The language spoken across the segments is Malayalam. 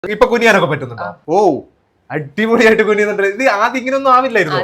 ഇപ്പൊ കുനിയാനൊക്കെ പറ്റുന്നുണ്ടോ? ഓ അടിപൊളിയായിട്ട് കുനിയുന്നുണ്ട്. ഇത് ആദ്യം ഇങ്ങനെയൊന്നും ആവില്ലായിരുന്നു.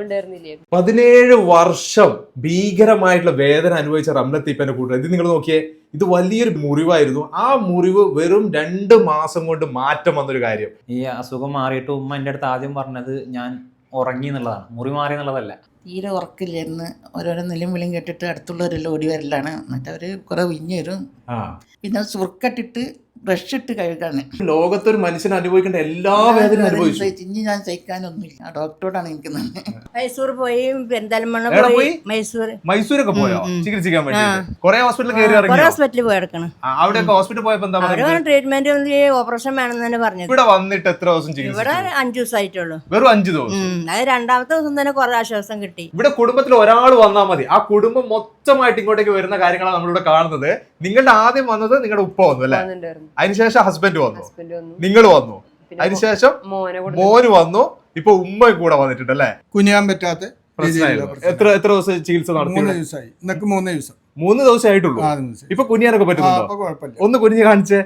17 വർഷം ഭീകരമായിട്ടുള്ള വേദന അനുഭവിച്ച റംലത്ത് ഇപ്പന്റെ കൂട്ടുകാർ. ഇത് നിങ്ങൾ നോക്കിയേ, ഇത് വലിയൊരു മുറിവായിരുന്നു. ആ മുറിവ് വെറും 2 മാസം കൊണ്ട് മാറ്റം വന്നൊരു കാര്യം. ഈ അസുഖം മാറിയിട്ട് ഉമ്മ എൻ്റെ അടുത്ത് ആദ്യം പറഞ്ഞത് ഞാൻ ഉറങ്ങി എന്നുള്ളതാണ്, മുറി മാറി എന്നുള്ളതല്ല. തീരെ ഉറക്കില്ലായിരുന്നു. ഓരോരോ നിലയും വിളിയും കേട്ടിട്ട് അടുത്തുള്ളവരെല്ലാം ഓടി വരലാണ്. എന്നിട്ട് അവർ കുറെ വിഞ്ഞു വരും. പിന്നെ സുർക്കട്ടിട്ട് ബ്രഷ് ഇട്ട് കഴുകാണ്. ലോകത്തൊരു മനുഷ്യൻ അനുഭവിക്കേണ്ട എല്ലാ വേദനയും അനുഭവിച്ചു. ഇനി ഞാൻ സഹിക്കാനൊന്നുമില്ല. ആ ഡോക്ടറോടാണ് എനിക്ക് നന്ദി. മൈസൂർ പോയി, പെരിന്തൽമണ്ണ പോയി, മൈസൂരൊക്കെ പോയോ ചികിത്സിക്കാൻ വേണ്ടി? കുറെ ഹോസ്പിറ്റലിൽ കയറി ഇറങ്ങി. ഹോസ്പിറ്റലിൽ പോയി കിടക്കണം. അവിടെ ഹോസ്പിറ്റലിൽ പോയപ്പോ എന്താ ട്രീറ്റ്മെന്റ് ഓപ്പറേഷൻ വേണമെന്ന് തന്നെ പറഞ്ഞത്. ഇവിടെ വന്നിട്ട് എത്ര ദിവസം ചികിത്സ? ഇവിടെ 5 ദിവസമായിട്ടുള്ളൂ. വെറും 5 ദിവസം. അത് 2ാമത്തെ ദിവസം തന്നെ കുറെ ആശ്വാസം കിട്ടി. ഇവിടെ കുടുംബത്തിൽ ഒരാൾ വന്നാൽ മതി, ആ കുടുംബം മൊത്തമായിട്ട് ഇങ്ങോട്ടേക്ക് വരുന്ന കാര്യങ്ങളാണ് നമ്മളിവിടെ കാണുന്നത്. നിങ്ങളുടെ ആദ്യം വന്നത് നിങ്ങളുടെ ഉപ്പ വന്നു അല്ലെ, അതിനുശേഷം ഹസ്ബൻഡ് വന്നു, നിങ്ങൾ വന്നു, അതിനുശേഷം മോന് വന്നു, ഇപ്പൊ ഉമ്മ കൂടെ വന്നിട്ടുണ്ട് അല്ലെ. കുനിയാൻ പറ്റാത്ത എത്ര ദിവസം ചികിത്സ നടത്തി? 3 ദിവസമായി. ഇന്നൊക്കെ 3 ദിവസം. 3 ദിവസം ആയിട്ടുള്ളൂ. ഇപ്പൊ കുനിയാനൊക്കെ പറ്റുന്നുണ്ടോ? ഒന്ന് കുനിഞ്ഞ് കാണിച്ചേ.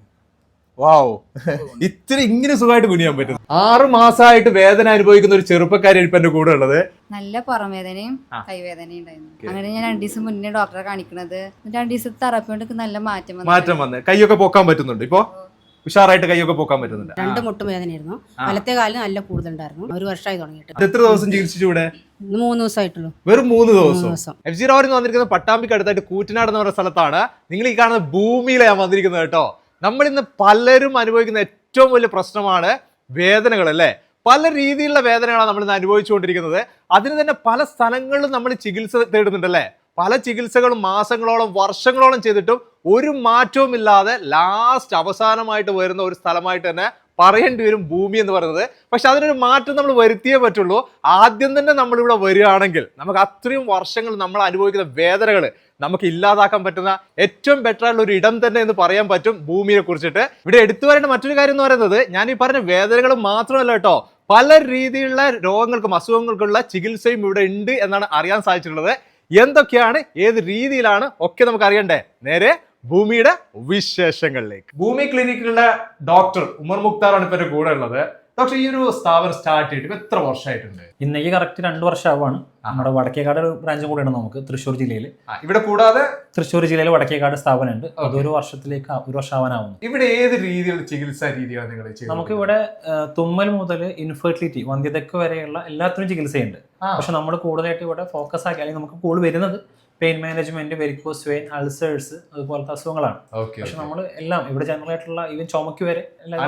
വാവ്, ഇത്തിരി ഇങ്ങനെ സുഖമായിട്ട് കുനിയാൻ പറ്റും. 6 മാസമായിട്ട് വേദന അനുഭവിക്കുന്ന ഒരു ചെറുപ്പക്കാരി ഇപ്പൊ എന്റെ കൂടെ ഉള്ളത്. നല്ല പുറം വേദനയും കൈവേദനയും ഉണ്ടായിരുന്നു. അങ്ങനെ ഞാൻ 2 ദിവസം മുന്നേ ഡോക്ടറെ കാണിക്കണത്. 2 ദിവസത്തെ തെറാപ്പി കൊണ്ട് നല്ല മാറ്റം വന്ന് കൈയൊക്കെ പൊക്കാൻ പറ്റുന്നുണ്ട്. ഇപ്പൊ ഉഷാറായിട്ട് കൈയൊക്കെ പൊക്കാൻ പറ്റുന്നുണ്ട്. 2 മുട്ടും വേദനയായിരുന്നു. വലത്തെ കാലിന് നല്ല കൂടുതലുണ്ടായിരുന്നു. 1 വർഷമായി തുടങ്ങിയിട്ട്. എത്ര ദിവസം ചികിത്സിച്ചു ഇവിടെ? 3 ദിവസമായിട്ടുള്ളൂ. വെറും 3 ദിവസം. എഫ് ജി റാവറിൽ വന്നിരിക്കുന്നത് പട്ടാമ്പിക്ക് അടുത്തായിട്ട് കൂറ്റനാട് എന്ന് പറയുന്ന സ്ഥലത്താണ്. നിങ്ങൾ ഈ കാണുന്ന ഭൂമിയിലാണ് വന്നിരിക്കുന്നത് കേട്ടോ. നമ്മൾ ഇന്ന് പലരും അനുഭവിക്കുന്ന ഏറ്റവും വലിയ പ്രശ്നമാണ് വേദനകൾ അല്ലേ. പല രീതിയിലുള്ള വേദനകളാണ് നമ്മൾ ഇന്ന് അനുഭവിച്ചുകൊണ്ടിരിക്കുന്നത്. അതിന് തന്നെ പല സ്ഥലങ്ങളിലും നമ്മൾ ചികിത്സ തേടുന്നുണ്ടല്ലേ. പല ചികിത്സകളും മാസങ്ങളോളം വർഷങ്ങളോളം ചെയ്തിട്ടും ഒരു മാറ്റവും ഇല്ലാതെ ലാസ്റ്റ് അവസാനമായിട്ട് വരുന്ന ഒരു സ്ഥലമായിട്ട് തന്നെ പറയേണ്ടി വരും ഭൂമി എന്ന് പറയുന്നത്. പക്ഷെ അതിനൊരു മാറ്റം നമ്മൾ വരുത്തിയേ പറ്റുള്ളൂ. ആദ്യം തന്നെ നമ്മളിവിടെ വരികയാണെങ്കിൽ നമുക്ക് അത്രയും വർഷങ്ങൾ നമ്മൾ അനുഭവിക്കുന്ന വേദനകൾ നമുക്ക് ഇല്ലാതാക്കാൻ പറ്റുന്ന ഏറ്റവും ബെറ്റർ ആയിട്ടുള്ള ഒരു ഇടം തന്നെ എന്ന് പറയാൻ പറ്റും ഭൂമിയെ കുറിച്ചിട്ട്. ഇവിടെ എടുത്തു വരേണ്ട മറ്റൊരു കാര്യം എന്ന് പറയുന്നത്, ഞാൻ ഈ പറഞ്ഞ വേദനകൾ മാത്രമല്ല കേട്ടോ, പല രീതിയിലുള്ള രോഗങ്ങൾക്കും അസുഖങ്ങൾക്കുള്ള ചികിത്സയും ഇവിടെ ഉണ്ട് എന്നാണ് അറിയാൻ സാധിച്ചിട്ടുള്ളത്. എന്തൊക്കെയാണ്, ഏത് രീതിയിലാണ് ഒക്കെ നമുക്ക് അറിയണ്ടേ. നേരെ ഭൂമിയുടെ വിശേഷങ്ങളിലേക്ക്. ഭൂമി ക്ലിനിക്കിലുള്ള ഡോക്ടർ ഉമർ മുക്താറാണ് ഇപ്പൊ എന്റെ കൂടെ ഉള്ളത്. ഡോക്ടർ, ഈ ഒരു സ്ഥാപനം സ്റ്റാർട്ട് ചെയ്തിട്ട് എത്ര വർഷമായിട്ടുണ്ട്? ഇന്നേക്ക് കറക്റ്റ് 2 വർഷമാവാണ്. നമ്മുടെ വടക്കേക്കാട് ബ്രാഞ്ചും കൂടെയാണ് നമുക്ക് തൃശ്ശൂർ ജില്ലയിൽ. ഇവിടെ കൂടാതെ തൃശ്ശൂർ ജില്ലയിൽ വടക്കേക്കാട് സ്ഥാപനമുണ്ട്. അതൊരു വർഷത്തിലേക്ക് 1 വർഷമാവാനാവുന്നു. ഇവിടെ ഏത് രീതിയിലുള്ള ചികിത്സാ രീതിയാണ് നിങ്ങൾ ചെയ്യുന്നത്? നമുക്ക് ഇവിടെ തുമ്മൽ മുതൽ ഇൻഫെർട്ടിലിറ്റി, വന്ധ്യതയ്ക്ക് വരെയുള്ള എല്ലാത്തിനും ചികിത്സയുണ്ട്. പക്ഷെ നമ്മൾ കൂടുതലായിട്ട് ഇവിടെ ഫോക്കസ് ആക്കി, അല്ലെങ്കിൽ നമുക്ക് കൂടുതൽ വരുന്നത് pain management, varicose vein, ulcers, അതുപോലത്തെ അസുഖങ്ങളാണ്. പക്ഷെ നമ്മൾ എല്ലാം ഇവിടെ ജനറൽ ആയിട്ടുള്ള ഈവൻ ചുമക്ക് വരെ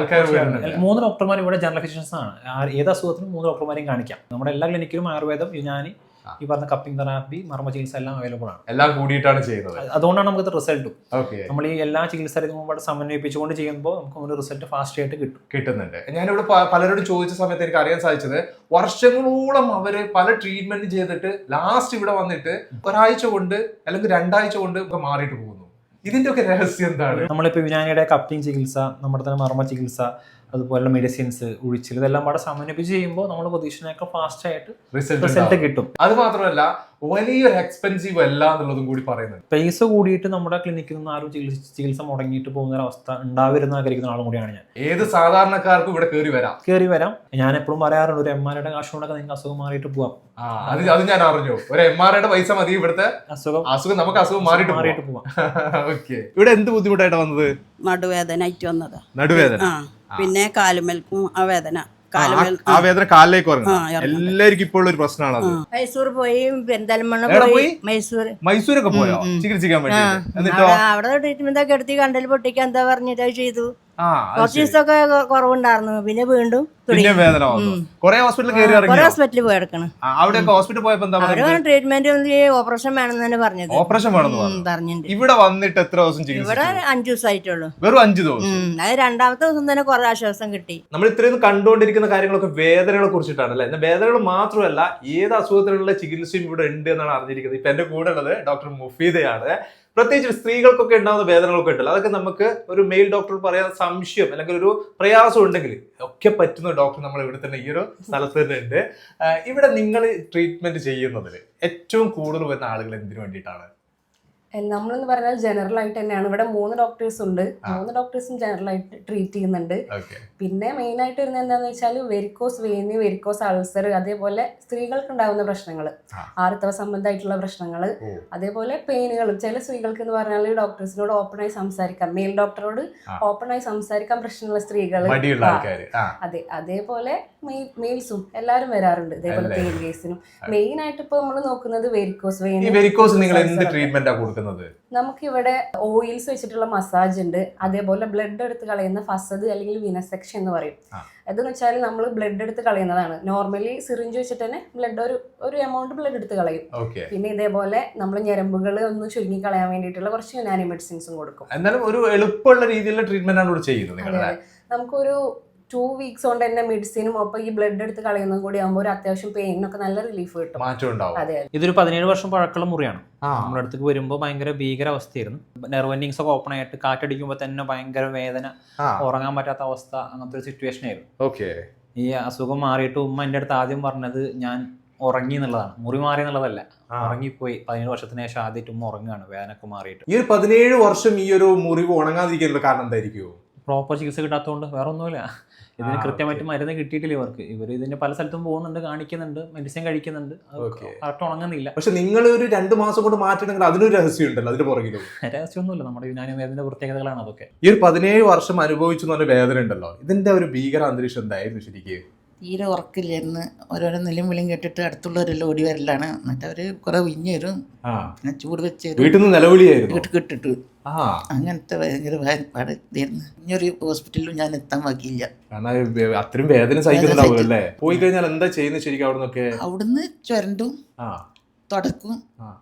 3 ഡോക്ടർമാർ ഇവിടെ ജനറൽ ഫിസിഷ്യൻസ് ആണ്. ഏത് അസുഖത്തിനും 3 ഡോക്ടർമാരെയും കാണിക്കാം. നമ്മുടെ എല്ലാ ക്ലിനിക്കിലും ആയുർവേദം, യുനാനി, ഈ പറഞ്ഞ കപ്പിംഗ് തെറാപ്പി, മർമ്മ ചികിത്സ എല്ലാം അവൈലബിൾ ആണ്. എല്ലാം കൂടിയിട്ടാണ് ചെയ്യുന്നത്. അതുകൊണ്ടാണ് നമുക്ക് റിസൾട്ടും. നമ്മൾ ഈ എല്ലാ ചികിത്സാ രീതികളും സമന്വയിപ്പിച്ചുകൊണ്ട് ചെയ്യുമ്പോൾ നമുക്ക് ഒരു റിസൾട്ട് ഫാസ്റ്റ് ആയിട്ട് കിട്ടുന്നുണ്ട്. ഞാനിവിടെ പലരോടും ചോദിച്ച സമയത്ത് എനിക്ക് അറിയാൻ സാധിച്ചത്, വർഷങ്ങളോളം അവര് പല ട്രീറ്റ്മെന്റ് ചെയ്തിട്ട് ലാസ്റ്റ് ഇവിടെ വന്നിട്ട് 1 ആഴ്ച കൊണ്ട് അല്ലെങ്കിൽ 2 ആഴ്ച കൊണ്ട് മാറിയിട്ട് പോകുന്നു. ഇതിന്റെ ഒക്കെ രഹസ്യം എന്താണ്? നമ്മളിപ്പോ യുനാനിയുടെ കപ്പിംഗ് ചികിത്സ, നമ്മുടെ തന്നെ മർമ്മ ചികിത്സ, അതുപോലെ മെഡിസിൻസ്, ഉഴിച്ചിൽ, ഇതെല്ലാം കൂടെ സമന്വയിപ്പിച്ച് ചെയ്യുമ്പോൾ നമ്മൾ പ്രതീക്ഷിച്ചതിനേക്കാൾ ഫാസ്റ്റ് ആയിട്ട് റിസൾട്ട് കിട്ടും. അത് മാത്രമല്ല വലിയൊരു എക്സ്പെൻസീവ് അല്ല എന്നുള്ളതും കൂടി പറയുന്നത്. പൈസ കൂടിയിട്ട് നമ്മുടെ ക്ലിനിക്കിൽ നിന്ന് ആരും ചികിത്സ മുടങ്ങിയിട്ട് പോകുന്ന ഒരു അവസ്ഥ ഉണ്ടാവരുന്ന ആഗ്രഹിക്കുന്ന ആളും കൂടിയാണ് ഞാൻ. ഏത് സാധാരണക്കാർക്കും ഇവിടെ കയറി വരാം. ഞാൻ എപ്പോഴും പറയാറുണ്ട്, ഒരു MRI കാശ് കൊണ്ടൊക്കെ നിങ്ങൾക്ക് അസുഖം മാറിയിട്ട് പോവാം. അത് ഞാൻ അറിഞ്ഞു. ഒരു MRI പൈസ മതി, ഇവിടുത്തെ അസുഖം നമുക്ക് അസുഖം മാറിയിട്ട് പോവാം. ഓക്കെ, ഇവിടെ എന്ത് ബുദ്ധിമുട്ടായിട്ട് വന്നത്? നടുവേദന ആയിട്ട് വന്നതാ. നടുവേദന, പിന്നെ കാലുമേൽക്കും ആ വേദന. ആ വേദന കാലിലേക്ക് ഇറങ്ങും. എല്ലാവർക്കും ഇപ്പോൾ ഒരു പ്രശ്നമാണ് അത്. മൈസൂർ പോയി, പെരിന്തൽമണ്ണ പോയി, മൈസൂരൊക്കെ പോയോ ചികിത്സിക്കാൻ വേണ്ടി? എന്നിട്ടോ അവിടെ ട്രീറ്റ്മെന്റ് ഒക്കെ എടുത്ത് കണ്ടൽ പൊട്ടിക്കാൻ എന്താ പറഞ്ഞിട്ട് ചെയ്തു. കുറച്ച് ദിവസമൊക്കെ കുറവുണ്ടായിരുന്നു. പിന്നെ വീണ്ടും വേദന വന്നു. കുറെ ഹോസ്പിറ്റലിൽ കയറി ഇറങ്ങി. ഹോസ്പിറ്റലിൽ പോയി കിടക്കണം. അവിടെ ഹോസ്പിറ്റലിൽ പോയപ്പോ എന്താ ട്രീറ്റ്മെന്റ് ഓപ്പറേഷൻ വേണമെന്ന് തന്നെ പറഞ്ഞത്. ഓപ്പറേഷൻ വേണമെന്ന് പറഞ്ഞിട്ടുണ്ട്. ഇവിടെ വന്നിട്ട് എത്ര ദിവസം ചികിത്സ? ഇവിടെ 5 ദിവസമായിട്ടുള്ളൂ. വെറും 5 ദിവസം. അത് 2ാമത്തെ ദിവസം തന്നെ കുറെ ആശ്വാസം കിട്ടി. നമ്മൾ ഇത്രയും കണ്ടുകൊണ്ടിരിക്കുന്ന കാര്യങ്ങളൊക്കെ വേദനകളെ കുറിച്ചിട്ടാണ് അല്ലെ. വേദനകൾ മാത്രമല്ല, ഏത് അസുഖത്തിനുള്ള ചികിത്സയും ഇവിടെ ഉണ്ട് എന്നാണ് അറിഞ്ഞിരിക്കുന്നത്. ഇപ്പൊ എന്റെ കൂടെ ഉള്ളത് ഡോക്ടർ മുഫീദയാണ്. പ്രത്യേകിച്ച് സ്ത്രീകൾക്കൊക്കെ ഉണ്ടാകുന്ന വേദനകളൊക്കെ ഉണ്ടല്ലോ, അതൊക്കെ നമുക്ക് ഒരു മെയിൽ ഡോക്ടർ പറയാൻ സംശയം അല്ലെങ്കിൽ ഒരു പ്രയാസം ഉണ്ടെങ്കിൽ ഒക്കെ പറ്റുന്ന ഡോക്ടർ നമ്മൾ ഇവിടെ തന്നെ ഈ ഒരു സ്ഥലത്ത് തന്നെ ഉണ്ട്. ഇവിടെ നിങ്ങൾ ട്രീറ്റ്മെന്റ് ചെയ്യുന്നതിൽ ഏറ്റവും കൂടുതൽ വരുന്ന ആളുകൾ എന്തിനു വേണ്ടിയിട്ടാണ്? നമ്മളെന്ന് പറഞ്ഞാൽ ജനറൽ ആയിട്ട് തന്നെയാണ്. ഇവിടെ 3 ഡോക്ടേഴ്സ് ഉണ്ട്. 3 ഡോക്ടേഴ്സും ജനറൽ ആയിട്ട് ട്രീറ്റ് ചെയ്യുന്നുണ്ട്. പിന്നെ മെയിൻ ആയിട്ട് വരുന്നത് എന്താണെന്ന് വെച്ചാൽ വെരിക്കോസ് വെയിന്, വെരിക്കോസ് അൾസർ, അതേപോലെ സ്ത്രീകൾക്ക് ഉണ്ടാകുന്ന പ്രശ്നങ്ങൾ, ആർത്തവ സംബന്ധമായിട്ടുള്ള പ്രശ്നങ്ങൾ, അതേപോലെ പെയിനുകൾ. ചില സ്ത്രീകൾക്ക് എന്ന് പറഞ്ഞാൽ ഡോക്ടേഴ്സിനോട് ഓപ്പണായി സംസാരിക്കാം, മെയിൽ ഡോക്ടറോട് ഓപ്പണായി സംസാരിക്കാൻ പ്രശ്നമുള്ള സ്ത്രീകൾ. അതെ, അതേപോലെ മെയിൽസും എല്ലാവരും വരാറുണ്ട് ഇതേപോലെ പെയിൻ കേസിനും. മെയിൻ ആയിട്ട് ഇപ്പൊ നമ്മൾ നോക്കുന്നത് വെരിക്കോസ് വെയിൻ. നമുക്ക് ഇവിടെ ഓയിൽസ് വെച്ചിട്ടുള്ള മസാജ് ഉണ്ട്. അതേപോലെ ബ്ലഡ് എടുത്ത് കളയുന്ന ഫസദ് അല്ലെങ്കിൽ വിനസെക്ഷൻ എന്ന് പറയും. അതെന്ന് വെച്ചാൽ നമ്മൾ ബ്ലഡ് എടുത്ത് കളയുന്നതാണ്. നോർമലി സിറിഞ്ച് വെച്ചിട്ട് തന്നെ ഒരു എമൗണ്ട് ബ്ലഡ് എടുത്ത് കളയും. പിന്നെ ഇതേപോലെ നമ്മൾ ഞരമ്പുകൾ ഒന്ന് ചുരുങ്ങി കളയാൻ വേണ്ടിയിട്ടുള്ള കുറച്ച് യുനാനി മെഡിസിൻസും കൊടുക്കും. എന്നാലും ഒരു എളുപ്പമുള്ള രീതിയിലുള്ള ട്രീറ്റ്മെന്റ് ആണ് ഇവിടെ ചെയ്യുന്നത്. നമുക്കൊരു 2 weeks കൊണ്ട് തന്നെ മെഡിസിനും ഒപ്പം ഈ ബ്ലഡ് എടുത്ത് കളയുന്നതും കൂടി ആകുമ്പോൾ ഒരു അത്യാവശ്യം പെയിനൊക്കെ നല്ല റിലീഫ് കിട്ടും. അതെ, ഇതൊരു 17 വർഷം പഴക്കമുള്ള മുറിയാണ്. നമ്മുടെ അടുത്തേക്ക് വരുമ്പോൾ ഭയങ്കര ഭീകരാവസ്ഥയായിരുന്നു. നെർവ് എൻഡിങ്സ് ഒക്കെ ഓപ്പൺ ആയിട്ട് കാറ്റടിക്കുമ്പോൾ തന്നെ ഭയങ്കര വേദന, ഉറങ്ങാൻ പറ്റാത്ത അവസ്ഥ, അങ്ങനത്തെ ഒരു സിറ്റുവേഷൻ ആയിരുന്നു. ഈ അസുഖം മാറിയിട്ട് ഉമ്മ എൻ്റെ അടുത്ത് ആദ്യം പറഞ്ഞത് ഞാൻ ഉറങ്ങി എന്നുള്ളതാണ്, മുറി മാറി എന്നുള്ളതല്ല. ഉറങ്ങിപ്പോയി. 17 വർഷത്തിന് ശേഷം ആദ്യമായിട്ട് ഉമ്മ ഉറങ്ങുകയാണ് വേദനയൊക്കെ മാറിയിട്ട്. ഈ 17 വർഷം ഈ ഒരു മുറിവ് ഉണങ്ങാതിരിക്കാനുള്ള കാരണം എന്തായിരിക്കും? പ്രോപ്പർ ചികിത്സ കിട്ടാത്തതുകൊണ്ട്, വേറെ ഒന്നുമില്ല. ഇതിന് കൃത്യമായിട്ട് മരുന്ന് കിട്ടിയിട്ടില്ല ഇവർക്ക്. ഇവർ ഇതിന് പല സ്ഥലത്തും പോകുന്നുണ്ട്, കാണിക്കുന്നുണ്ട്, മെഡിസിൻ കഴിക്കുന്നുണ്ട്, കറക്റ്റ് ഉണങ്ങുന്നില്ല. പക്ഷെ നിങ്ങൾ ഒരു 2 മാസം കൊണ്ട് മാറ്റണമെങ്കിൽ അതിനൊരു രഹസ്യം ഉണ്ടല്ലോ, അതിന് പുറകിലും. രഹസ്യമൊന്നുമില്ല, നമ്മുടെ യുനാനി വേദനയുടെ പ്രത്യേകതകളാണ് അതൊക്കെ. ഈ ഒരു 17 വർഷം അനുഭവിച്ചു എന്ന് പറഞ്ഞ വേദന ഉണ്ടല്ലോ, ഇതിന്റെ ഒരു ഭീകര അന്തരീക്ഷം എന്തായിരുന്നു ശരിക്കും? തീരെ ഉറക്കില്ലായിരുന്നു. ഓരോരോ നിലയും വിളിയും കേട്ടിട്ട് അടുത്തുള്ളവരെല്ലാം ഓടി വരലാണ്. എന്നിട്ട് അവര് കുറെ വിഞ്ഞ് തരും, പിന്നെ ചൂട് വെച്ച് വീട്ടിൽ നിന്ന് നിലവിളിയായിരുന്നു കിട്ടിട്ട്. അങ്ങനത്തെ ഭയങ്കര പാടായിരുന്നു. ഇനിയൊരു ഹോസ്പിറ്റലിലും ഞാൻ എത്താൻ ബാക്കിയില്ല. അത്രയും വേദന സഹിക്കുന്നുണ്ടാവുമല്ലേ. പോയി കഴിഞ്ഞാൽ എന്താ ചെയ്യുന്നത് ശരിക്കും? അവിടുന്ന് ചുരണ്ടും തുടക്കും,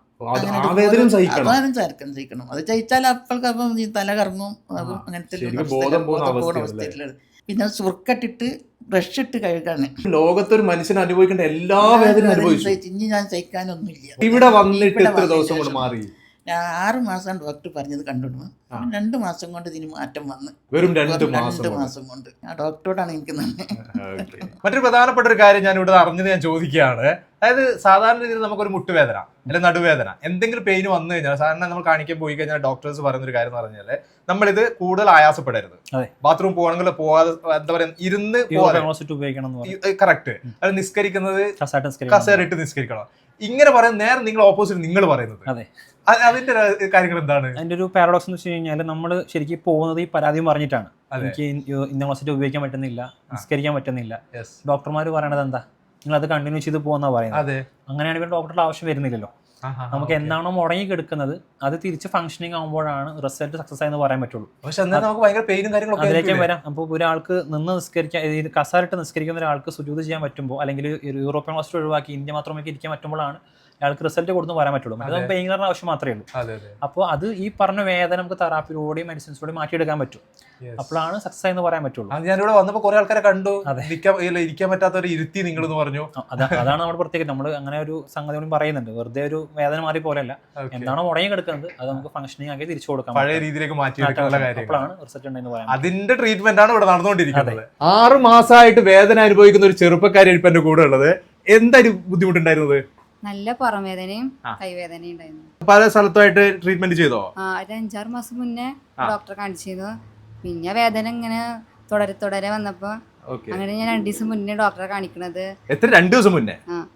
സഹിക്കണം. അത് കഴിച്ചാൽ അപ്പോഴേക്കപ്പം തല കറങ്ങും, അങ്ങനത്തെ അവസ്ഥയിലുള്ളത്. പിന്നെ സുർക്കട്ടിട്ട് ബ്രഷ് ഇട്ട് കഴുകാണ്. ലോകത്തൊരു മനുഷ്യൻ അനുഭവിക്കേണ്ട എല്ലാ വേദനയും അനുഭവിച്ചു. ഇനി ഞാൻ സഹിക്കാനൊന്നുമില്ല. ഇവിടെ വന്നിട്ട് എത്ര ദിവസം കൊണ്ട് മാറി? 6 മാസം ഡോക്ടർ പറഞ്ഞത് കണ്ടിടുന്നു. 2 മാസം കൊണ്ട് ഇതിന് മാറ്റം വന്ന്. വെറും 2 മാസം കൊണ്ട്. ആ ഡോക്ടറോടാണ് എനിക്ക് നന്ദി. മറ്റൊരു പ്രധാനപ്പെട്ട ഒരു കാര്യം ഞാൻ ഇവിടെ അറിഞ്ഞത് ഞാൻ ചോദിക്കുകയാണ്. അതായത് സാധാരണ രീതിയിൽ നമുക്കൊരു മുട്ടുവേദന അല്ലെങ്കിൽ നടുവേദന എന്തെങ്കിലും പെയിൻ വന്നു കഴിഞ്ഞാൽ സാധാരണ നമ്മൾ കാണിക്കാൻ പോയി കഴിഞ്ഞാൽ ഡോക്ടേഴ്സ് പറയുന്ന ഒരു കാര്യം എന്ന് പറഞ്ഞാൽ നമ്മളിത് കൂടുതൽ ആയാസപ്പെടരുത്. ബാത്റൂം പോകണമെങ്കിൽ പോവാതെ എന്താ പറയാ ഇരുന്ന് കറക്റ്റ്. അത് നിസ്കരിക്കുന്നത് കസേരയിട്ട് നിസ്കരിക്കണം. ഇങ്ങനെ പറയുന്ന നേരെ നിങ്ങൾ ഓപ്പോസിറ്റ് നിങ്ങൾ പറയുന്നത്. അതിന്റെ കാര്യങ്ങൾ എന്താണ്? അതിന്റെ ഒരു പാരഡോക്സ് എന്ന് വെച്ച് കഴിഞ്ഞാൽ നമ്മൾ ശരിക്കും പോകുന്നത് ഈ പരാതിയും പറഞ്ഞിട്ടാണ്. എനിക്ക് ഇന്ന ക്ലോസറ്റ് ഉപയോഗിക്കാൻ പറ്റുന്നില്ല, നിസ്കരിക്കാൻ പറ്റുന്നില്ല. ഡോക്ടർമാർ പറയണത് എന്താ? നിങ്ങൾ അത് കണ്ടിന്യൂ ചെയ്ത് പോകുന്ന പറയുന്നത്. അങ്ങനെയാണെങ്കിൽ ഡോക്ടറുടെ ആവശ്യം വരുന്നില്ലല്ലോ. നമുക്ക് എന്താണോ മുടങ്ങി കിടക്കുന്നത് അത് തിരിച്ച് ഫംഗ്ഷനിങ് ആകുമ്പോഴാണ് റിസൾട്ട് സക്സസ് ആയെന്ന് പറയാൻ പറ്റുള്ളൂ. അതിലേക്ക് വരാം. അപ്പോൾ ഒരാൾക്ക് നിന്ന് നിസ്കരിക്കാൻ, കസാരിട്ട് നിസ്കരിക്കുന്ന ഒരാൾക്ക് സുജൂദ് ചെയ്യാൻ പറ്റുമ്പോൾ, അല്ലെങ്കിൽ യൂറോപ്യൻ ക്ലാസ് ഒഴിവാക്കി ഇന്ത്യ മാത്രമേക്ക് ഇരിക്കാൻ പറ്റുമ്പോഴാണ് അയാൾക്ക് റിസൾട്ട് കൊടുത്ത് പറയാൻ പറ്റുള്ളൂ. അത് പെയിൻ കില്ലറിന് ആവശ്യം മാത്രമേ ഉള്ളൂ. അപ്പോൾ അത് ഈ പറഞ്ഞ വേദന നമുക്ക് തെറാപ്പിയിലൂടെയും മെഡിസിൻസിലൂടെയും മാറ്റിയെടുക്കാൻ പറ്റും. അപ്പോഴാണ് സക്സസ് എന്ന് പറയാൻ പറ്റുള്ളൂ. ഞാനിവിടെ വന്നപ്പോൾ കുറെ ആൾക്കാരെ കണ്ടു, ഇരിക്കാൻ പറ്റാത്തവരെ ഇരുത്തി നിങ്ങൾ എന്ന് പറഞ്ഞു. അതാണ് നമ്മുടെ പ്രത്യേകത. നമ്മൾ അങ്ങനെ ഒരു സംഗതി പറയുന്നുണ്ട്. വെറുതെ ഒരു വേദന മാറി പോലെയല്ല, എന്താണോ മുടങ്ങി കിടക്കുന്നത് അത് നമുക്ക് ഫംഗ്ഷനിങ് ആക്കി തിരിച്ചു കൊടുക്കാം, പഴയ രീതിയിലേക്ക് മാറ്റിയെടുക്കാനുള്ള കാര്യം. അപ്പോഴാണ് റിസൾട്ട് ഉണ്ടെന്ന് പറയാം. അതിന്റെ ട്രീറ്റ്മെന്റ് ആണ് ഇവിടെ നടന്നുകൊണ്ടിരിക്കുന്നത്. 6 മാസമായിട്ട് വേദന അനുഭവിക്കുന്ന ഒരു ചെറുപ്പക്കാരി ഇപ്പൊ എന്റെ കൂടെ ഉള്ളത്. എന്തായാലും ബുദ്ധിമുട്ടുണ്ടായിരുന്നത്? നല്ല പുറംവേദനയും കൈവേദനയും ഉണ്ടായിരുന്നു. പല സ്ഥലത്തായിട്ട് ട്രീറ്റ്മെന്റ് ചെയ്തോ? ഒരു 5-6 മാസം മുന്നേ ഡോക്ടറെ കാണിച്ചിരുന്നു. പിന്നെ വേദന ഇങ്ങനെ തുടരെ വന്നപ്പോ അങ്ങനെ ഞാൻ 2 ദിവസം മുന്നേ ഡോക്ടറെ കാണിക്കണത്. എത്ര? 2 ദിവസം മുന്നേ?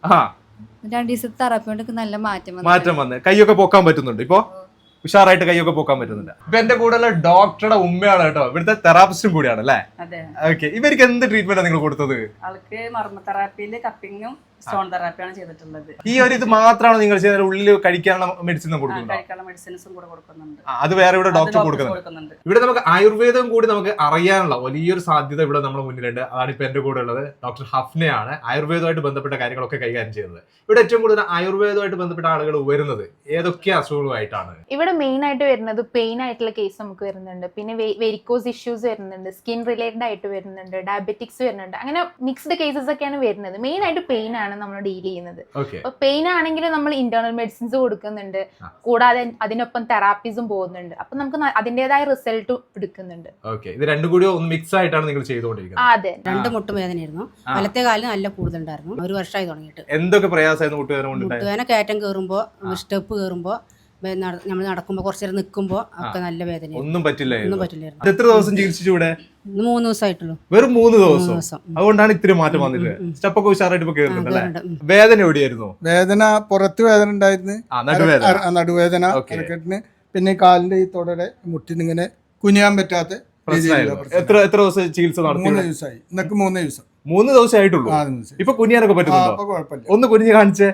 2 ദിവസത്തെ തെറാപ്പി കൊണ്ട് നല്ല മാറ്റം വന്ന് കൈയൊക്കെ പൊക്കാൻ പറ്റുന്നുണ്ട്. ഇപ്പൊ ഉഷാറായിട്ട് കൈയൊക്കെ പൊക്കാൻ പറ്റുന്നുണ്ട്. ഇപ്പൊ എന്റെ കൂടെയുള്ള ഡോക്ടറുടെ ഉമ്മയാണ് കേട്ടോ, ഇവിടുത്തെ തെറാപ്പിസ്റ്റും കൂടിയാണ് അല്ലേ? ഓക്കെ. ഇവർക്ക് എന്ത് ട്രീറ്റ്മെന്റ് നിങ്ങൾ കൊടുത്തത്? ആൾക്ക് മർമ്മ തെറാപ്പിയില് കപ്പിങ്ങും സ്റ്റോൺ തെറാപ്പിയാണ് ചെയ്തിട്ടുള്ളത്. ഈ ഒരു ഇത് മാത്രമാണ് നിങ്ങൾ ചെയ്ത? ഉള്ളിൽ കഴിക്കാനുള്ള മെഡിസിൻ കഴിക്കാനുള്ള മെഡിസിൻസും കൂടെ കൊടുക്കുന്നുണ്ട്. അത് വേറെ ഇവിടെ ഡോക്ടർ കൊടുക്കുന്നുണ്ട്. ഇവിടെ നമുക്ക് ആയുർവേദം കൂടി നമുക്ക് അറിയാനുള്ള വലിയൊരു സാധ്യത ഇവിടെ നമ്മുടെ മുന്നിലുണ്ട്. അതാണ് ഇപ്പൊ എന്റെ കൂടെ ഉള്ളത്. ഡോക്ടർ ഹഫ്നയാണ് ആയുർവേദമായിട്ട് ബന്ധപ്പെട്ട കാര്യങ്ങളൊക്കെ കൈകാര്യം ചെയ്യുന്നത്. ഇവിടെ ഏറ്റവും കൂടുതൽ ആയുർവേദമായിട്ട് ബന്ധപ്പെട്ട ആളുകൾ വരുന്നത് ഏതൊക്കെ അസുഖങ്ങളുമായിട്ടാണ്? ഇവിടെ മെയിൻ ആയിട്ട് വരുന്നത് പെയിൻ ആയിട്ടുള്ള കേസ് നമുക്ക് വരുന്നുണ്ട്. പിന്നെ വെരിക്കോസ് ഇഷ്യൂസ് വരുന്നുണ്ട്, സ്കിൻ റിലേറ്റഡ് ആയിട്ട് വരുന്നുണ്ട്, ഡയബറ്റിക്സ് വരുന്നുണ്ട്. അങ്ങനെ മിക്സ്ഡ് കേസസ് ഒക്കെയാണ് വരുന്നത്. മെയിൻ ആയിട്ട് പെയിൻ ആണ് നമ്മൾ ഡീൽ ചെയ്യുന്നത്. അപ്പൊ പെയിൻ ആണെങ്കിൽ നമ്മൾ ഇന്റേണൽ മെഡിസിൻസ് കൊടുക്കുന്നുണ്ട്, കൂടാതെ അതിനൊപ്പം തെറാപ്പീസും പോകുന്നുണ്ട്. അപ്പൊ നമുക്ക് അതിന്റേതായ റിസൾട്ട് എടുക്കുന്നുണ്ട്. ഇത് രണ്ടും കൂടി മിക്സ് ആയിട്ടാണ് നിങ്ങൾ ചെയ്തുകൊണ്ടിരിക്കുന്നത്? അതെ, 2 മുട്ടുവേദനയായിരുന്നു. വലത്തെ കാലിന് നല്ല കൂടുതലുണ്ടായിരുന്നു. 1 വർഷമായി തുടങ്ങിയിട്ട്. എന്തൊക്കെ പ്രയാസമായിരുന്നു മുട്ടുവേദന കൊണ്ട്? മുട്ടുവേദന കയറ്റം കയറുമ്പോ, സ്റ്റെപ്പ് കയറുമ്പോ നമ്മൾ നടക്കുമ്പോൾ കുറച്ച് നേരം നിൽക്കുമ്പോൾ ഒക്കെ നല്ല വേദന ഒന്നും പറ്റില്ല. ഒന്നും പറ്റില്ലായിരുന്നു. അത് എത്ര ദിവസം ചികിത്സിച്ചു ഇവിടെ? ഇന്ന് 3 ദിവസമായിട്ടുള്ളൂ. വെറും 3 ദിവസം. 3 ദിവസം. അതുകൊണ്ടാണ് ഇത്തിരി മാറ്റം വന്നിട്ട്. സ്റ്റെപ്പൊക്കെ ഉഷാറായിട്ട് ഇപ്പൊ കേറുന്നുണ്ട് അല്ലേ? വേദന എവിടെയായിരുന്നു? വേദന പുറത്ത് വേദന ഉണ്ടായിരുന്നു, നടുവേദന. നടുവേദന ഇടക്കെട്ടിന്, പിന്നെ കാലിന്റെ ഈ തുടരെ മുട്ടിനിങ്ങനെ കുനിയാൻ പറ്റാത്ത എത്ര ദിവസം ചികിത്സ നടത്തി? 3 ദിവസമായി. ഇന്നൊക്കെ 3 ദിവസം. 3 ദിവസമേ ആയിട്ടുള്ളൂ. ഇപ്പൊ കുനിയാനൊക്കെ പറ്റുന്നുണ്ടോ? കുഴപ്പമില്ല. ഒന്ന് കുനിഞ്ഞ് കാണിച്ചേ.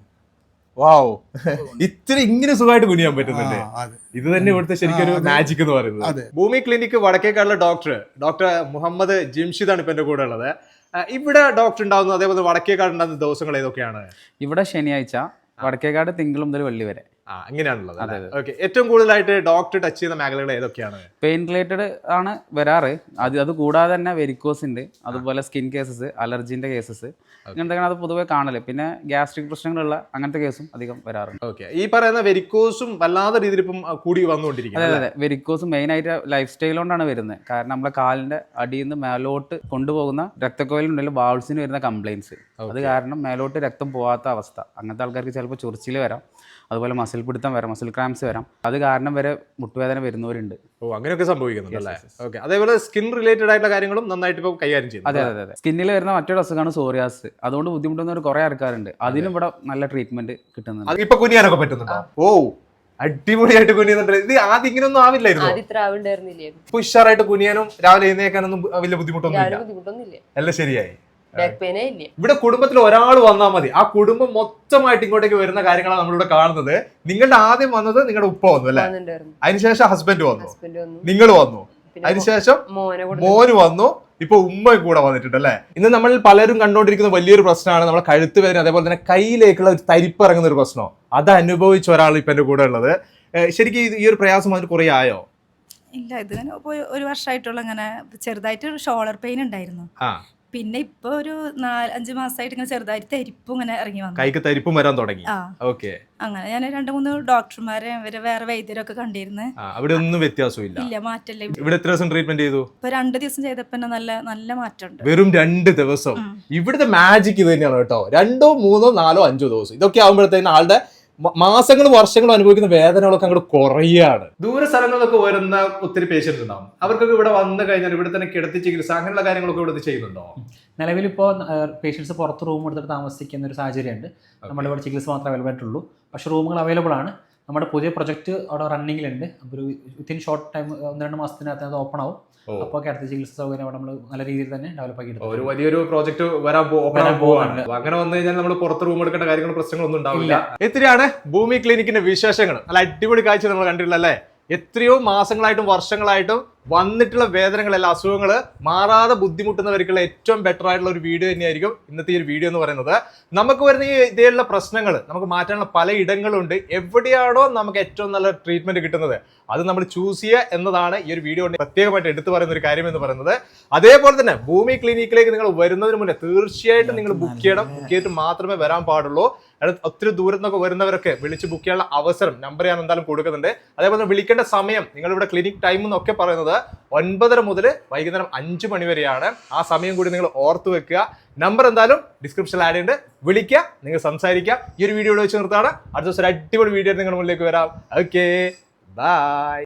വാവ്, ഇത്തിരി ഇങ്ങനെ സുഖമായിട്ട് കുനിയാൻ പറ്റുന്നുണ്ട്. ഇത് തന്നെ ഇവിടുത്തെ ശരിക്കും ഒരു മാജിക് എന്ന് പറയുന്നത്. ഭൂമി ക്ലിനിക് വടക്കേക്കാടുള്ള ഡോക്ടർ മുഹമ്മദ് ജിംഷിദാണ് ഇപ്പൊ എന്റെ കൂടെ ഉള്ളത്. ഇവിടെ ഡോക്ടർ ഉണ്ടാവുന്നത് അതേപോലെ വടക്കേക്കാട് ഉണ്ടാകുന്ന ദിവസങ്ങൾ ഏതൊക്കെയാണ്? ഇവിടെ ശനിയാഴ്ച, വടക്കേക്കാട് തിങ്കൾ മുതൽ വെള്ളി വരെ. അങ്ങനെയാണുള്ളത്. ഓക്കെ. ഏറ്റവും കൂടുതലായിട്ട് ഡോക്ടർ ടച്ച് ചെയ്യുന്ന മേഖലകൾ ഏതൊക്കെയാണ്? പെയിൻ റിലേറ്റഡ് ആണ് വരാറ്. അത് കൂടാതെ തന്നെ വെരിക്കോസ് ഉണ്ട്, അതുപോലെ സ്കിൻ കേസസ്, അലർജിന്റെ കേസസ്, അങ്ങനത്തെ അത് പൊതുവെ കാണല്. പിന്നെ ഗ്യാസ്ട്രിക് പ്രശ്നങ്ങളുള്ള അങ്ങനത്തെ കേസും അധികം വരാറുണ്ട്. ഓക്കെ. ഈ പറയുന്ന വെരിക്കോസും വല്ലാത്ത രീതിയിൽ ഇപ്പം കൂടി വന്നുകൊണ്ടിരിക്കുന്നത്. അതെ. വെരിക്കോസ് മെയിൻ ആയിട്ട് ലൈഫ് സ്റ്റൈൽ കൊണ്ടാണ് വരുന്നത്. കാരണം നമ്മളെ കാലിന്റെ അടിയിൽ നിന്ന് മേലോട്ട് കൊണ്ടുപോകുന്ന രക്തക്കോയിലുണ്ടെങ്കിൽ വാൾസിന് വരുന്ന കംപ്ലൈൻസ്, അത് കാരണം മേലോട്ട് രക്തം പോകാത്ത അവസ്ഥ. അങ്ങനത്തെ ആൾക്കാർക്ക് ചിലപ്പോൾ ചൊറിച്ചിൽ വരാം, അതുപോലെ മസിൽ പിടുത്തം വരാം, മസിൽ ക്രാംസ് വരാം. അത് കാരണം വരെ മുട്ടുവേദന വരുന്നവരുണ്ട്. അങ്ങനെയൊക്കെ സംഭവിക്കുന്നുണ്ട് അല്ലേ? ഓക്കെ. അതേപോലെ സ്കിൻ റിലേറ്റഡ് ആയിട്ടുള്ള കാര്യങ്ങളും നന്നായിട്ട് ഇപ്പോൾ കൈകാര്യം ചെയ്യുന്നു. അതെ. സ്കിന്നിൽ വരുന്ന മറ്റൊരു അസുഖമാണ് സോറിയാസ്. അതുകൊണ്ട് ബുദ്ധിമുട്ടുന്നവർ കുറെ ആൾക്കാരുണ്ട്. അതിനും ഇവിടെ നല്ല ട്രീറ്റ്മെന്റ് കിട്ടുന്നുണ്ട്. ഇപ്പൊ കുനിയാനൊക്കെ പറ്റുന്നുണ്ടോ? ഓ, അടിപൊളിയായിട്ട് കുനിയുന്നുണ്ട്. ഇത് ആദ്യം ഇങ്ങനെയൊന്നും ആവില്ലായിരുന്നു. ഇപ്പൊ ഉഷാറായിട്ട് കുനിയാനും രാവിലെ എഴുന്നേക്കാനൊന്നും വലിയ ബുദ്ധിമുട്ടൊന്നുമില്ല. എല്ലാം ശരിയായി. ഇവിടെ കുടുംബത്തിൽ ഒരാൾ വന്നാൽ മതി, ആ കുടുംബം മൊത്തമായിട്ട് ഇങ്ങോട്ടേക്ക് വരുന്ന കാര്യങ്ങളാണ് നമ്മളിവിടെ കാണുന്നത്. നിങ്ങളുടെ ആദ്യം വന്നത് നിങ്ങളുടെ ഉപ്പ വന്നു അല്ലെ, അതിനുശേഷം ഹസ്ബൻഡ് വന്നു, നിങ്ങൾ വന്നു, അതിനുശേഷം മോന് വന്നു, ഇപ്പൊ ഉമ്മയും കൂടെ വന്നിട്ടുണ്ട് അല്ലെ. ഇന്ന് നമ്മൾ പലരും കണ്ടുകൊണ്ടിരിക്കുന്ന വലിയൊരു പ്രശ്നമാണ് നമ്മളെ കഴുത്ത് വേദന, അതേപോലെ തന്നെ കയ്യിലേക്കുള്ള ഒരു തരിപ്പ് ഇറങ്ങുന്ന ഒരു പ്രശ്നം. അത് അനുഭവിച്ച ഒരാൾ ഇപ്പൊ എന്റെ കൂടെ ഉള്ളത്. ശരിക്കും ഈ ഒരു പ്രയാസം അതിന് കുറെ ആയോ? ഇല്ല, ഇതിങ്ങനെ ഒരു വർഷമായിട്ടുള്ള ഇങ്ങനെ ചെറുതായിട്ട് ഷോൾഡർ പെയിൻ ഉണ്ടായിരുന്നു. പിന്നെ ഇപ്പൊ ഒരു 4-5 മാസമായിട്ട് ഇങ്ങനെ ചെറുതായിട്ട് തരിപ്പും ഇങ്ങനെ ഇറങ്ങി വന്നു, കൈക്ക് തരിപ്പും വരാൻ തുടങ്ങി. അങ്ങനെ ഞാൻ 2-3 ഡോക്ടർമാരെ വേറെ വൈദ്യരൊക്കെ കണ്ടിരുന്നു. അവിടെ ഒന്നും വ്യത്യാസമില്ല. ഇല്ല, മാറ്റല്ലേ. ഇവിടെ എത്ര ദിവസം ട്രീറ്റ്മെന്റ് ചെയ്തു? ഇപ്പൊ 2 ദിവസം ചെയ്തപ്പോ നല്ല മാറ്റമുണ്ട്. വെറും 2 ദിവസം. ഇവിടുത്തെ മാജിക് ഇത് തന്നെയാണ് കേട്ടോ. 2, 3, 4, 5 ദിവസം ഇതൊക്കെ ആകുമ്പോഴത്തേന് ആളുടെ മാസങ്ങളും വർഷങ്ങളും അനുഭവിക്കുന്ന വേദനകളൊക്കെ അങ്ങോട്ട് കുറയാണ്. ദൂര സ്ഥലങ്ങളിലൊക്കെ വരുന്ന ഒത്തിരി പേഷ്യൻസ് ഉണ്ടാവും. അവർക്കൊക്കെ ഇവിടെ വന്നു കഴിഞ്ഞാൽ ഇവിടെ തന്നെ കിടത്തി ചികിത്സ അങ്ങനെയുള്ള കാര്യങ്ങളൊക്കെ ഇവിടെ ചെയ്യുന്നുണ്ടോ? നിലവിലിപ്പോൾ പേഷ്യൻസ് പുറത്ത് റൂം എടുത്തിട്ട് താമസിക്കുന്ന ഒരു സാഹചര്യമുണ്ട്. നമ്മുടെ ഇവിടെ ചികിത്സ മാത്രമേ അവൈലബിൾ ആയിട്ടുള്ളൂ. പക്ഷേ റൂമുകൾ അവൈലബിൾ ആണ്. നമ്മുടെ പുതിയ പ്രൊജക്ട് അവിടെ റണ്ണിങ്ങിലുണ്ട്. അപ്പോൾ ഒരു വിത്തിൻ ഷോർട്ട് ടൈം 1-2 മാസത്തിനകത്ത് അത് ഓപ്പൺ ആവും. അപ്പോൾ അടുത്ത ചികിത്സ സൗകര്യം അവിടെ നമ്മൾ നല്ല രീതിയിൽ തന്നെ ഡെവലപ്പ് ആക്കി എടുക്കും. ഒരു വലിയൊരു പ്രോജക്റ്റ് വരാൻ പോവാണ്. അങ്ങനെ വന്നു കഴിഞ്ഞാൽ നമ്മൾ പുറത്ത് റൂം എടുക്കേണ്ട കാര്യങ്ങൾ പ്രശ്നങ്ങളൊന്നും ഉണ്ടാവില്ല. എത്രയാണ് ഭൂമി ക്ലിനിക്കിന്റെ വിശേഷങ്ങൾ. നല്ല അടിപൊളി കാഴ്ച നമ്മൾ കണ്ടിട്ടില്ല അല്ലേ? എത്രയോ മാസങ്ങളായിട്ടും വർഷങ്ങളായിട്ടും വന്നിട്ടുള്ള വേദനകളെല്ലാം, അസുഖങ്ങൾ മാറാതെ ബുദ്ധിമുട്ടുന്നവർക്കുള്ള ഏറ്റവും ബെറ്റർ ആയിട്ടുള്ള ഒരു വീഡിയോ തന്നെയായിരിക്കും ഇന്നത്തെ ഈ ഒരു വീഡിയോ എന്ന് പറയുന്നത്. നമുക്ക് വരുന്ന ഈ ഇതേയുള്ള പ്രശ്നങ്ങൾ നമുക്ക് മാറ്റാനുള്ള പല ഇടങ്ങളുണ്ട്. എവിടെയാണോ നമുക്ക് ഏറ്റവും നല്ല ട്രീറ്റ്മെന്റ് കിട്ടുന്നത് അത് നമ്മൾ ചൂസ് ചെയ്യുക എന്നതാണ് ഈ ഒരു വീഡിയോ പ്രത്യേകമായിട്ട് എടുത്തു പറയുന്ന ഒരു കാര്യം എന്ന് പറയുന്നത്. അതേപോലെ തന്നെ ഭൂമി ക്ലിനിക്കിലേക്ക് നിങ്ങൾ വരുന്നതിന് മുന്നേ തീർച്ചയായിട്ടും നിങ്ങൾ ബുക്ക് ചെയ്യണം. ബുക്ക് ചെയ്തിട്ട് മാത്രമേ വരാൻ പാടുള്ളൂ. ഒത്തിരി ദൂരത്ത് നിന്നൊക്കെ വരുന്നവരൊക്കെ വിളിച്ച് ബുക്ക് ചെയ്യാനുള്ള അവസരം നമ്പർ ഞാൻ എന്തായാലും കൊടുക്കുന്നുണ്ട്. അതേപോലെ വിളിക്കേണ്ട സമയം നിങ്ങളിവിടെ ക്ലിനിക് ടൈം എന്നൊക്കെ പറയുന്നത് 9:30 മുതൽ വൈകുന്നേരം 5 മണി വരെയാണ്. ആ സമയം കൂടി നിങ്ങൾ ഓർത്തു വെക്കുക. നമ്പർ എന്തായാലും ഡിസ്ക്രിപ്ഷനിൽ ആഡ് ചെയ്യുന്നുണ്ട്. വിളിക്കുക, നിങ്ങൾ സംസാരിക്കുക. ഈ ഒരു വീഡിയോ വെച്ച് നിർത്താണ്. അടുത്ത ദിവസം ഒരു അടിപൊളി വീഡിയോ നിങ്ങളുടെ മുന്നിലേക്ക് വരാം. Okay, by.